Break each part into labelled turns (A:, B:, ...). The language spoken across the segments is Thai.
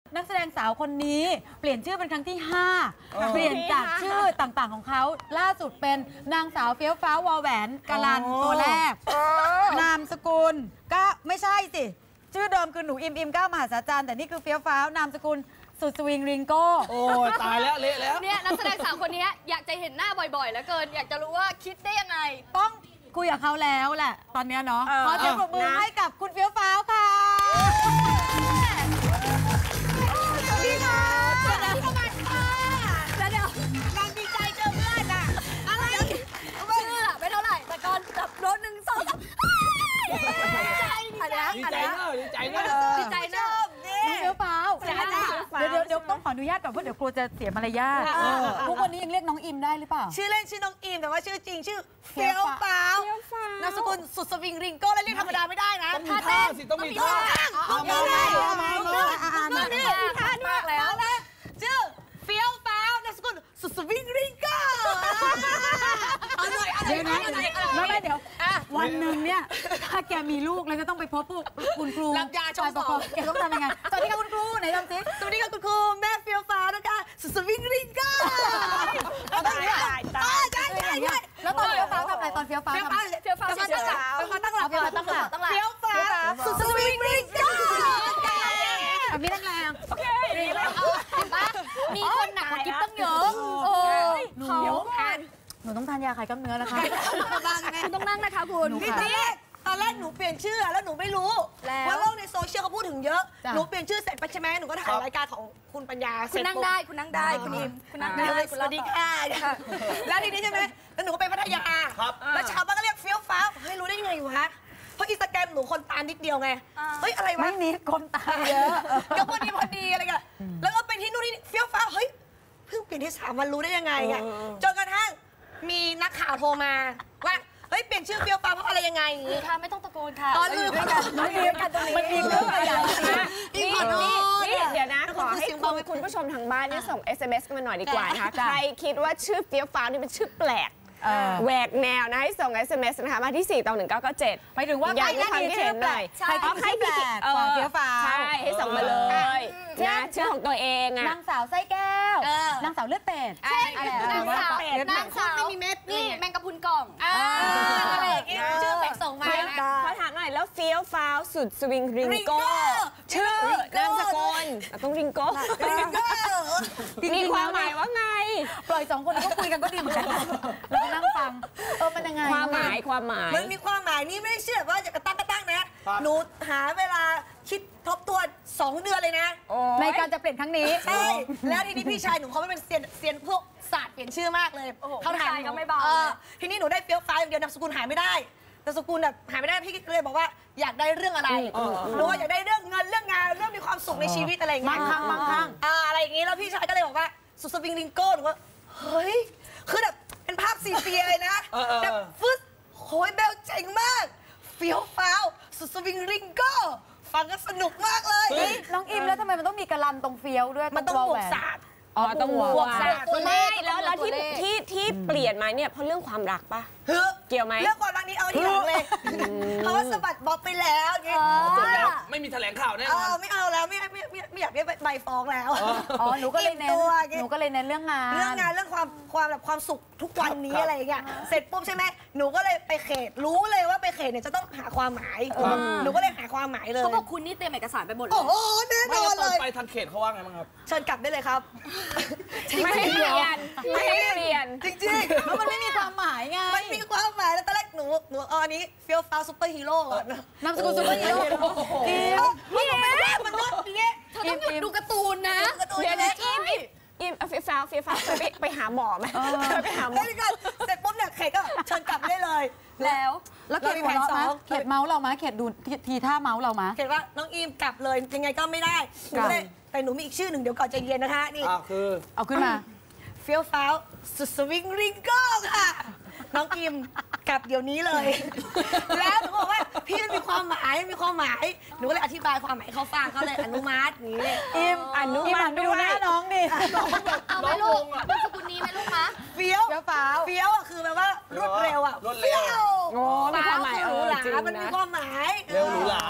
A: นักแสดงสาวคนนี้เปลี่ยนชื่อเป็นครั้งที่ 5 เปลี่ยนจากชื่อต่างๆของเขาล่าสุดเป็นนางสาวเฟี้ยวฟ้าววอแหวนกาลันตัวแรกนามสกุลก็ไม่ใช่สิชื่อเดิมคือหนูอิมก้าวมหาศาลแต่นี่คือเฟี้ยวฟ้าวนามสกุลสุดสวิงริงโก้
B: โอ้ตายแล้วเละแล้ว
C: เนี่ยนักแสดงสาวคนนี้อยากจะเห็นหน้าบ่อยๆแล้วเกินอยากจะรู้ว่าคิดได้ยังไง
A: ต้องคุยกับเขาแล้วแหละตอนนี้เนาะขอเสียงปรบมือให้กับคุณเฟี้ยวฟ้าวค่ะ
C: สวัสดีค่ะสวัสดีค่ะแล้วเดี๋ยวงานดีใจเจอเพื่อนอะอะไรชื่อไม่เท่าไหร่แต่ก่อนจับรถ1 2 3ดีใจ
B: ดีใจเนอะดีใจเนอะ
C: ดีใจเนอะ
A: น้องเฟี้ยวฟ้าวเดี๋ยวต้องขออนุญาตก่อนเพราะเดี๋ยวกลัวจะเสียมารยาททุกวันนี้ยังเรียกน้องอิมได้หรือเปล่า
D: ชื่อเล่นชื่อน้องอิมแต่ว่าชื่อจริงชื่อเฟี้ยวฟ้าวนามสกุลสุดสวิงริงโก้แล้วเรียกธรรมดาไม่ได้นะ
B: ต้องมีท่าสิต้องมีท่า
D: มาท่ามากแล้วชื่อเฟี้ยวฟ้าวนามสกุลสุดสวิงริงโก้
A: เดี๋ยวนะไม่เดี๋ยววันหนึ่งเนี่ยถ้าแกมีลูกแล้วจะต้องไปพบคุณครู
D: รับยาชงสอบ
A: แกต้องทำยังไงสวัสดีค่ะคุณครูไหนทำสิ
D: สวัสดีค่ะคุณครูแม่เฟี้ยวฟ้านะคะสุดสวิงริงโก้
A: แล้วตอนเฟี้ยวฟ้าทำอะไรตอนเฟี้ยวฟ้าตั้งหลักเฟี้ยวฟ้า
D: สุดสวิงริงโก้
A: แบบนี้แรง
C: โอเคมีคนหนักกว่ากิ๊บตั้งเยอะ
A: หนูต้องทานยาคลายกล้ามเนื้อนะคะ
C: คุณต้องนั่งนะคะคุณ
D: นี่ตอนแรกหนูเปลี่ยนชื่อแล้วหนูไม่รู้ว่าโลกในโซเชียลเขาพูดถึงเยอะหนูเปลี่ยนชื่อเสร็จไปใช่ไหมหนูก็ถ่ายรายการของคุณปัญญา
C: คุณนั่งได้คุณอิมคุณนั่งได้
D: สวัสดีค่ะแล้วทีนี้ใช่ไหมแล้วหนูก็ไปพัทยาแล้วชาวบ้านก็เรียกเฟี้ยวฟ้าเฮ้ยรู้ได้ยังไงวะเพราะอินสตาแกรมหนูคนตามนิดเดียวไงเฮ้ยอะไรวะ
A: ไม่นิดคนตามเยอะ
D: ก็พอดีอะไรกันแล้วก็ไปที่นู่นนี่เฟี้ยวฟ้าเฮ้ยเพิ่งเปลี่ยนที่3 วันรู้ได้ยังไงอ่ะจนกระทั่งมีนักข่าวโทรมาว่าเฮ้ยเปลี่ยนชื่อเฟี้ยวฟ้าเพราะอะไรยังไง
C: ค่ะไม่ต้องตะโกนค่ะ
D: ตอนลืม
A: มันมีเรื่องอะไรอย่าง
E: นี่เดี๋ยวนะขอให้คุณผู้ชมทางบ้านนี่ส่ง SMS มาหน่อยดีกว่านะคะใครคิดว่าชื่อเฟี้ยวฟ้านี่เป็นชื่อแปลกแหวกแนวนะให้ส่ง SMS นะคะมาที่42197
A: หมายถึงว่า
E: อยากให้ความคิดเห็นหน่อย
A: ใครแปลกเฟี้ยวฟ้า
E: ใช่ให้ส่งมาเลยนะชื่อของตัวเองอะ
A: นางสาวไส้แก้วนางสาวเลือดเป็ด
C: นางสาวไม่มีเม็ดนี่แมงกะพรุนกล่อง
D: อะไรอย่างเงี้ยชื่อแปลกส่งมา
E: ขอถามหน่อยแล้วเฟี้ยวฟ้าวสุดสวิงริงโก้ชื่อนามสกุลต้องริงโก้มีความหมายว่าไง
A: ปล่อย2 คนก็คุยกันก็ดีเหมือนกันเรานั่งฟังมันยังไง
E: ความหมาย
D: มันมีความหมายนี่ไม่ได้เชื่อว่าจะกระตั้งนะหนูหาเวลาคิดทบทวน2 เดือนเลยนะ
A: ในการจะเปลี่ยนครั้งนี้
D: ใช่แล้วทีนี้พี่ชายหนูเขาไม่เป็นเซียนพวกศาสตร์เปลี่ยนชื่อมากเลย
C: เขาถามก็ไม่เบา
D: ทีนี้หนูได้เฟี้ยวฟ้าอย่างเดียวนามสกุลหายไม่ได้นามสกุลแบบหายไม่ได้พี่เลยบอกว่าอยากได้เรื่องอะไรหนูอยากได้เรื่องเงินเรื่องงานเรื่องมีความสุขในชีวิตอะไรอย่างเงี้ย
A: บางครั้ง
D: อะไรอย่างงี้แล้วพี่ชายก็เลยบอกว่าสุดสวิงริงโก้หนูว่าเฮ้ยคือแบบเป็นภาพซีเฟียเลยนะแบบฟึ๊ดโหยเบลเจ๋งมากเฟี้ยวฟ้าวสุดสวิงริงโก้ฟังก็สนุกมากเลย
A: น้องอิมแล้วทำไมมันต้องมีกระลำตรงเฟี้ยวด้วย
D: มันต้องบวกศาสตร์
E: ต้องบวกศาสตร์ไม่แล้วที่เปลี่ยนมาเนี่ยเพราะเรื่องความรักปะเกี่ยวไหม
D: เรื่องความรักนี้เอาที่หลังเลยเขาสะบัดบ๊อบไปแล้วไง
B: ไม่มีแถลงข่าวแน่นอน
D: ไม่เอาแล้วไม่อยากได้ใบฟ้องแล้ว
A: หนูก็เลยเน้นเรื่องงาน
D: เรื่องความสุขทุกวันนี้อะไรอย่างเงี้ยเสร็จปุ๊บใช่ไหมหนูก็เลยไปเขตรู้เลยว่าไปเขตเนี่ยจะต้องหาความหมายหนูก็เลยหาความหมายเลย
C: เขาบอกคุณนี่เตรียมเอกสารไปหมดเลย
D: โอ้โหแน่นอนเลย
B: ไปทางเขตเขาว่าไงบ้างครับ
D: เชิญกลับได้เลยครับ
E: ไม่ให้เปลี่ยน
D: จริง
A: ๆเพราะมันไม่มีความหมายไง
D: มันมีความหมายแล้วตอนแรกหนูอันนี้เฟี้ยวฟ้าวซุปเปอร์ฮีโร่
A: นามสกุลซุปเปอร์ฮีโร่
D: นี่หนูไม่ได้มันด้วยอย่างเงี้ย
C: เธอต้องหยุดดูการ์ตูนนะ
E: เดี๋ยวนะอิมเฟี้ยวฟ้าไปหาหมอไหมไปหาหมอ
D: เสร็จปุ๊บเนี่ยเขตก็เชิญกลับได้เลย
A: แล้วเขตหัวเราะเขตเมาส์เรามาเขตดูทีท่าเมาส์เรามา
D: เขตว่าน้องอิมกลับเลยยังไงก็ไม่ได้แต่หนูมีอีกชื่อหนึ่งเดี๋ยวก่อนใจเย็นนะคะนี่
B: คือ
A: เอาขึ้นมา
D: เฟี้ยวฟ้าวสุดสวิงริงโก้ค่ะน้องอิมกลับเดี๋ยวนี้เลยแล้วหนูบอกว่าพี่มันมีความหมายหนูก็เลยอธิบายความหมายเขาฟังเขาเลยอนุมัตินี้
A: อิมอนุมัติดูหน้าน้องดิ
C: เอาไหมลูกนามสกุลนี้ไหมลูกคะ
D: เฟี้ยวอ่ะคือแบบว่ารวดเร็วอ่ะ
B: รวดเร็ว
E: โอ้มีความหมาย
D: หรูหรามันมีความหมาย
B: เร็วหรูหรา
D: ใช่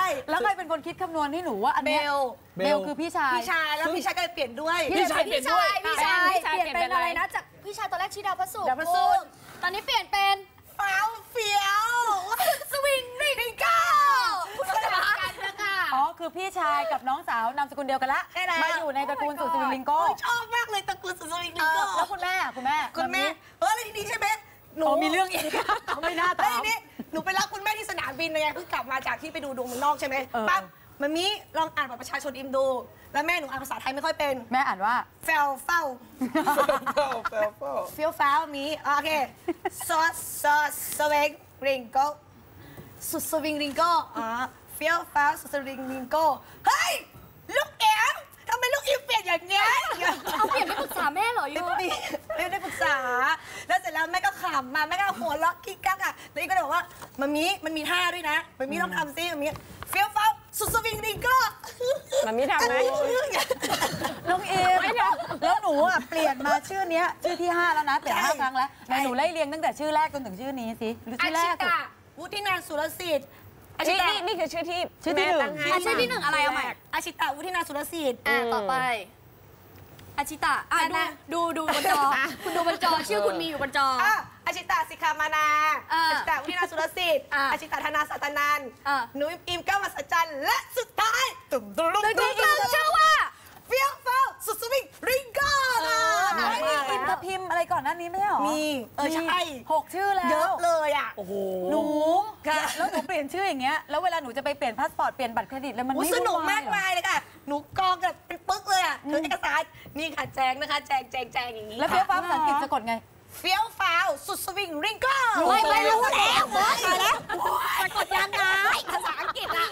A: แล้วใครเป็นคนคิดคำนวณให้หนูว่าอัน
D: เบ
A: เนี้ย
D: ล
A: เบลคือพี่ชาย
D: แล้วพี่ชายก็เลยเปลี่ยนด้วย
B: พี่ชายเปลี่ยนด้วย
C: พี่ชายเปลี่ยนเป็นอะไรนะจากพี่ชายตอนแรกชื่อดาวพระศุกร์
D: ดาวพระศุกร์
C: ตอนนี้เปลี่ยนเป็น
D: ฟ้าวเฟี้ยว
C: สวิงริงเก้าคุณสมการกันนะคะ
A: อ๋อ คือพี่ชายกับน้องสาวนามสกุลเดียวกันละ
D: ใช่แล้ว
A: มาอยู่ในตระกูลสุดสวิงลิงโก้
D: ชอบมากเลยตระกูลสุดสวิงลิ
A: เอง
D: โก้
A: อแล้วคุณแม่
D: คุณแม่แล้วทีนี้ใช่ไหมหนู
A: มีเรื่องอีกเขาไม่น่า
D: แล้ว
A: ถาม
D: ทีนี้หนูไปรับคุณแม่ที่สนามบินไงเพิ่งกลับมาจากที่ไปดูดวงเมืองนอกใช่ไหม ปั๊บมันมีลองอ่านบัตรประชาชนอิมดู แล้วแม่หนูอ่านภาษาไทยไม่ค่อยเป็น
A: แม่อ่านว่า
D: เฟลเฝ้า
B: แฟล
D: เฟี้ยวฟ้าวมีโอเคซอสสวิงริงโก้สุดสวิงริงโก้เฟี้ยวฟ้าวสุดสวิงริงโก้เฮ้ยลูกแอมทำไมลูกอิมเปลี่ยนอย่างเงี้ย
C: เอาเปลี่ยนไม่ปรึกษาแม่เหรอยู
D: ไม่ได้ปรึกษา แล้วเสร็จแล้วแม่ก็ขำมาแม่ก็หัวเราะกิ๊กกักอ่ะแล้วอีกก็เลยบอกว่ามันมีท่าด้วยนะมันมีต้องทำซิมันมีเฟี้ยวฟ้าวสุดสวิงริงโก้
E: มันมีทำไหม
A: น้องเอมแล้วหนูอ่ะเปลี่ยนมาชื่อเนี้ยชื่อที่ 5 แล้วนะเปลี่ยน5 ครั้งแล้วไหนหนูไล่เรียงตั้งแต่ชื่อแรกจนถึงชื่อนี้สิหรือ
D: อา
A: ชื่อแร
D: ชิ
A: กสุด
D: ตาวุฒินันท์สุรสิทธิ์อาชิ
E: นี่
D: ตา
E: นี่คือชื่อที่
A: ชื่อที่
E: แม่
A: หนึ่ง
E: ตั้งให้
C: ชื่อที่ 1อะไรเอาใหม่
D: อาชิตาวุฒินันท์สุรสิทธิ์
C: ต่อไปอาชิตะดูบนจอคุณดูบนจอชื่อคุณมีอยู่บนจอ
D: อาชิตาสิกขามานาอาชิตาวุฒินันท์สุรสิทธิ์อาชิตาธนาสัตนันท์หนูอิมก้าวมาสัจจันและสุดท้ายตุ้มตุ้ม
C: ตึงชื่อว่า
D: เฟี้ยวฟ้าวสุดสวิงริงโก้
A: แล้วมีอิมกับพิมพ์อะไรก่อนหน้านี้ไม่ใช่หรอ
D: มีใช่
A: 6 ชื่อแล้ว
D: เยอะเลยอ่ะ
B: โอ้โห
A: หนูแล้วหนูเปลี่ยนชื่ออย่างเงี้ยแล้วเวลาหนูจะไปเปลี่ยนพาสปอร์ตเปลี่ยนบัตรเครดิตแล้วมันไม่
D: สนุก
A: วุ่ว
D: มาก
A: เหรอ
D: มายเลยค่ะ หนูกองแบบเป็นปึ๊กเลยอ่ะถือเอกสารนี่ค่ะแจงนะคะแจงอย่างนี้
A: แล้วเฟี้ยวฟ้าวภาษาอังกฤษสะกดไง
D: เฟี้ยวฟ้าวสุดสวิงริงโก้
C: ไม่รู้แล้ว
D: ตายแล้ว
C: สะกดยังไงภาษาอังกฤษอะ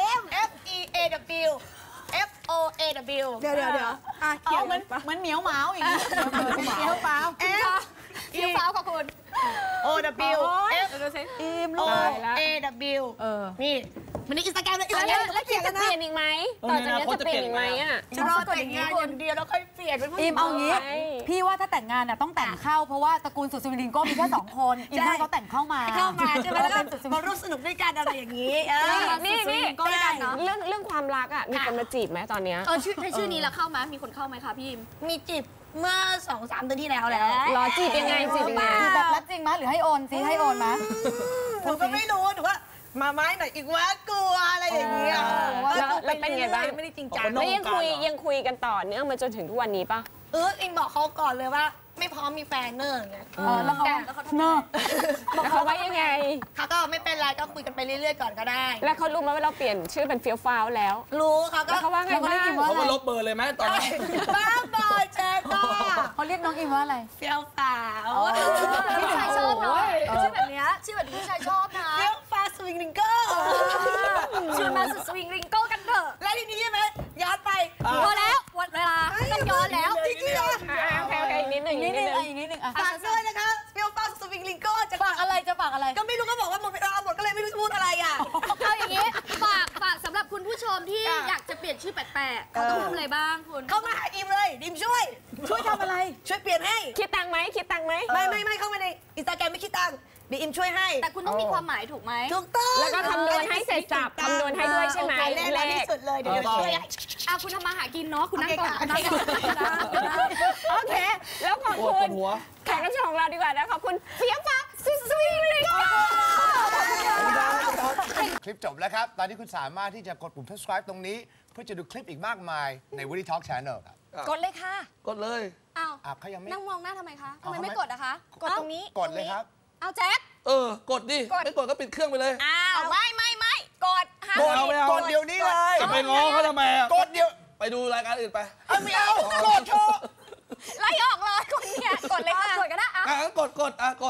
D: F E A W F O A W เดี๋ยว
A: อ๋อเหมือนเหมียวหมาอย่างงี้เหมียวเปล่า
D: F
C: เฟี้ยวฟ้าวค่ะคุณ
D: O W F
A: อิม
D: O
A: ลูก
D: A W นี่มันในอินสตาแกรมเลยอินสตาแกรม
E: แล้วคิดจะเปลี่ยนอีกไหมต่อจากนี้จะเปลี่ยนอีกไหมอ่ะ
D: จะรอแต่งงานอย่างเดียวแล้วค่อยเปลี่ยนเป็นผู้ห
A: อิ
D: ญิ
A: ม
D: ง
A: เอางี้ พี่ว่าถ้าแต่งงานน่ะต้องแต่งเข้าเพราะว่าตระกูลสุดสวิงลิงโก้มีแค่2 คนอิมให้เขาแต่งเข้ามา
D: เข้ามาใช่ไหมแล้วก็
A: เป็นสุดสวิง
D: มาร่วมสนุกด้วยกันอะไรอย่างนี้
E: นี่
C: ก็ได้กันเนาะ
E: เรื่องความรักอ่ะมีคนมาจีบไหมตอนเนี้ย
C: ชื่อนี้แล้วเข้าไหมมีคนเข้าไหมคะพี่อิม
D: มีจีบเมื่อ 2-3 เดือนที่แล้วแหละ
E: รอจีบยังไงจีบยังไง
A: คือแบบรับจริงมั้ยหรือให้โอนซิให้โอนมั้ย
D: หนูก็ไม่รู้หนูว่ามาไม้หน่อยอีกว่ากลัวอะไรอย่างเงี้ย
E: แล้วเป็นไงบ้าง
D: ไม่ได้จริงจัง
E: แล้วยังคุยกันต่อเนื่องมาจนถึงทุกวันนี้ปะ
D: อิงบอกเขาก่อนเลยว่า ไม่พร้อมมีแฟนเนอร์ไง
A: แล้วเขาเนอะ
E: แล้วเขาว่ายังไง
D: เขาก็ไม่เป็นไรก็คุยกันไปเรื่อยๆก่อนก็ได้
E: แล้วเขารู้ไหมว่าเราเปลี่ยนชื่อเป็นเฟี้ยวฟ้าวแล้ว
D: รู้เขาก็
E: แล้วเขาว่าไงบ้าง
B: เขามาลบเบอร์เลยไหมตอนนี้
D: บ้าบอยแจ๊ก็
A: เขาเรียกน้องอิมว่าอะไร
D: เฟี้ยวฟ้าว
C: ผู้ชายชอบเนาะชื่อแบบเนี้ยชื่อแบบผู้ชายชอบนะ
D: เฟี้ยวฟ้าวสวิงลิงเกอร์
C: ชวนมาสุดสวิงริงโก้กันเถอะ
D: แล้วทีนี้ใช่ไหมย้อนไป
C: พอแล้วหมดเวลาต้องย้อนแล้ว
D: จริงๆเหรอ
E: โอเคอีกนิดหนึ่ง
A: อีกนิดนึงอีกนิดนึงอ่ะ
D: ฝากด้วยนะคะเฟี้ยวฟ้าวสวิงลิงเกอร์จะ
A: ฝากอะไรจะฝากอะไร
D: ก็ไม่รู้ก็บอกว่าหมดเวลาหมดก็เลยไม่รู้จะพูดอะไรอ่ะ
C: เอาอย่างนี้ฝากสำหรับคุณผู้ชมที่อยากจะเปลี่ยนชื่อแปลกๆเขาต้องทำอะไรบ้างคุณ
D: เข้ามาหาอิมเลยอิมช่วย
A: ทำอะไร
D: ช่วยเปลี่ยนให้
E: คิดตังค์ไหม
D: ไม่เข้ามาในอินสตาแกรมไม่คิดตังค์เดี๋ยวอิมช่วยให้
C: แต่คุณต้องมีความหมายถูกไหม
D: ถูกต้อง
E: แล้วก็คำนวณให้เสร็จสับคำนวณให้ด้วยใช่ไหม
D: เลขที่สุดเลยเดี๋ยวช่วยให้
C: คุณทำมาหากินเนาะคุณนั่งก่อน
D: โอเค
C: นั่งก่อน
E: โอเค แล้วขอบ
B: โอ้
E: คุ
B: ปว
E: ณ
B: ดหัว
E: แขกรับเชิญของเราดีกว่านะขอบคุณเฟี้ยวฟ้าวสุดสวิงลิงโก้
F: คลิปจบแล้วครับ ตอนนี้คุณสามารถที่จะกดปุ่ม subscribe ตรงนี้ เพื่อจะดูคลิปอีกมากมายใน Woody Talk Channel ครับ
C: กดเลยค่ะ
B: กดเลย
C: อ้าว
F: เขายังไม่
C: นั่งมองหน้าทำไมคะทำ
F: เอา
C: ไม
F: ทำไม
C: ไม่กดอะคะ กดตรงนี้
F: กดเลยครับ
C: เอาแจ็ค
B: กดดิ ไม่กดก็ปิดเครื่องไปเลย
C: อ้าวไม่กดห้าม
B: กดเอาไม่เอา
F: กดเดี๋ยวนี้เลย
B: จะไปง้อเขาทำไมอะ
F: กดเดี๋ยว
B: ไปดูรายการอื่นไป
F: ไม่เอา กดเถอะ
C: ไล่ออกเลยคนเนี่ยกดเลยค่ะกดก็ได้
B: กด